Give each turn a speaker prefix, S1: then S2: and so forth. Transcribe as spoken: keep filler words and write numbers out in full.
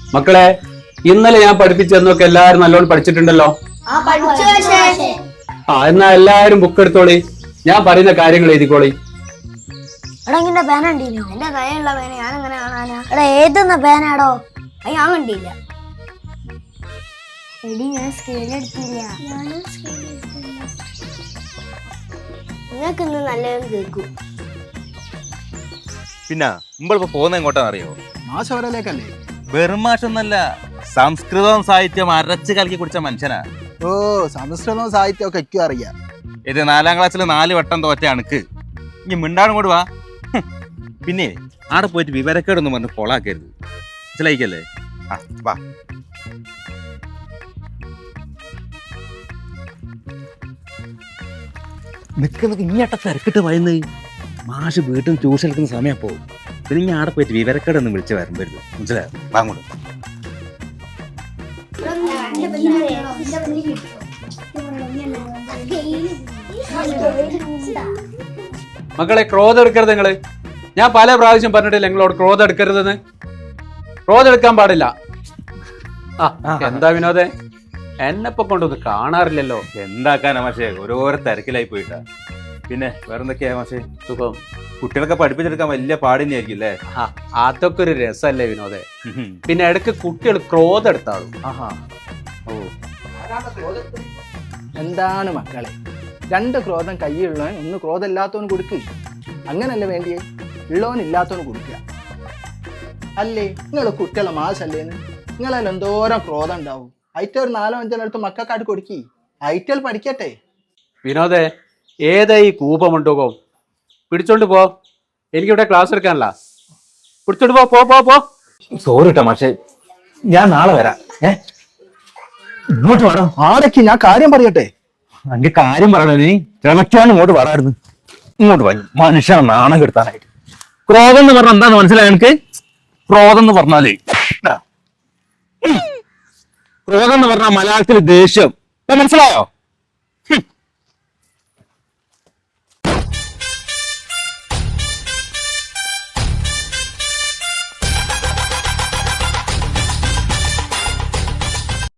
S1: മക്കളെ ഇന്നലെ ഞാൻ പഠിപ്പിച്ചെന്നൊക്കെ എല്ലാരും നല്ലോണം പഠിച്ചിട്ടുണ്ടല്ലോ. ആ എന്നാ എല്ലാരും ബുക്ക് എടുത്തോളി, ഞാൻ പറയുന്ന കാര്യങ്ങൾ എഴുതിക്കോളി.
S2: എടാ പേന കണ്ടീനോ? എന്റെ കയ്യിലുള്ള പേന ഞാൻ എങ്ങനെ കാണാനാ? എടാ ഏതെന്ന പേനാടോ? അത് ഞാൻ കണ്ടില്ല. എടി ഞാൻ സ്കെയിൽ എടുത്തില്ല. നിങ്ങൾക്ക് ഇന്ന് നല്ലതും കേൾക്കും.
S3: പിന്നെ നമ്മളിപ്പോ പോകുന്ന എങ്ങോട്ടാന്ന് അറിയോ?
S4: മാഷോരലേക്കല്ലേ?
S3: വെറും മാഷൊന്നല്ല, സംസ്കൃതവും സാഹിത്യം അരച്ച് കലക്കി കുടിച്ച മനുഷ്യനാ.
S4: ഓ, സംസ്കൃതവും സാഹിത്യവും ഒക്കെ എനിക്കും അറിയാം.
S3: ഇത് നാലാം ക്ലാസ്സിൽ നാല് വട്ടം തോറ്റ അണക്ക് ഇനി മിണ്ടാടും കൂടി വാ. പിന്നെ ആടെ പോയിട്ട് വിവരക്കേടൊന്നും പറഞ്ഞ് കൊളാക്കരുത്, മനസ്സിലായിക്കല്ലേ? ആ വാ. നിൽക്കുന്ന ഇങ്ങോട്ടെ തിരക്കിട്ട് വയന്ന് മാഷ് വീട്ടിൽ ട്യൂഷൻ എടുക്കുന്ന സമയം പോകും. പിന്നെ ഇനി ആടെ പോയിട്ട് വിവരക്കേടൊന്നും വിളിച്ച് വരമ്പരുത്, മനസ്സിലായോ? വാങ്ങോട്ട്.
S1: മക്കളെ ക്രോധം എടുക്കരുത് നിങ്ങള്. ഞാൻ പല പ്രാവശ്യം പറഞ്ഞിട്ടില്ല നിങ്ങളോട് ക്രോധം എടുക്കരുതെന്ന്. ക്രോധം എടുക്കാൻ പാടില്ല. ആ എന്താ വിനോദേ, എന്നെപ്പൊ കൊണ്ടൊന്ന് കാണാറില്ലല്ലോ.
S3: എന്താക്കാനാ മാഷേ, ഓരോരോ തിരക്കിലായി പോയിട്ടാ. പിന്നെ വേറെന്തൊക്കെയാ മാഷേ? സുഖം. കുട്ടികളൊക്കെ പഠിപ്പിച്ചെടുക്കാൻ വലിയ പാടിനെയായിരിക്കും അല്ലേ?
S1: ആ അതൊക്കെ ഒരു രസമല്ലേ വിനോദേ. പിന്നെ ഇടയ്ക്ക് കുട്ടികൾ ക്രോധം എടുത്താളും.
S3: ആഹാ. ഓ,
S4: എന്താണ് മക്കളെ, രണ്ട് ക്രോധം കയ്യിലുള്ളവൻ ഒന്ന് ക്രോധം ഇല്ലാത്തവന് കൊടുക്കുക. അങ്ങനല്ലേ വേണ്ടിയേ? ഉള്ളവൻ ഇല്ലാത്തവന് കൊടുക്കുക അല്ലേ? നിങ്ങൾ കുട്ടികളെ മാസല്ലേന്ന് നിങ്ങളതിൽ എന്തോരം ക്രോധം ഉണ്ടാവും. ഐറ്റ ഒരു നാലോ അഞ്ചോ അടുത്ത് മക്കൾക്കായിട്ട് കൊടുക്കി, ഐറ്റൽ പഠിക്കട്ടെ.
S1: വിനോദേ, ഏതാ ഈ കൂപമുണ്ടോ? പിടിച്ചോണ്ട് പോ, എനിക്കിവിടെ ക്ലാസ് എടുക്കാനല്ല. പിടിച്ചോണ്ട് പോ പോ പോ പോ.
S3: സോറി കേട്ടോ മാഷേ, ഞാൻ നാളെ വരാം. ഏ ഇങ്ങോട്ട് വേണം.
S4: ആരൊക്കെ ഞാൻ കാര്യം പറയട്ടെ.
S3: എന്റെ കാര്യം പറയണോ? നീ ക്ഷമയ്ക്കാണ് ഇങ്ങോട്ട് പറയായിരുന്നു. ഇങ്ങോട്ട് വരും മനുഷ്യനെ നാണം കെടുത്താനായിട്ട്. ക്രോധം എന്ന് പറഞ്ഞാൽ എന്താന്ന് മനസ്സിലായോ എനിക്ക്? ക്രോധം എന്ന് പറഞ്ഞാലേ, ക്രോധം എന്ന് പറഞ്ഞാൽ മലയാളത്തിൽ ദേഷ്യം, മനസ്സിലായോ?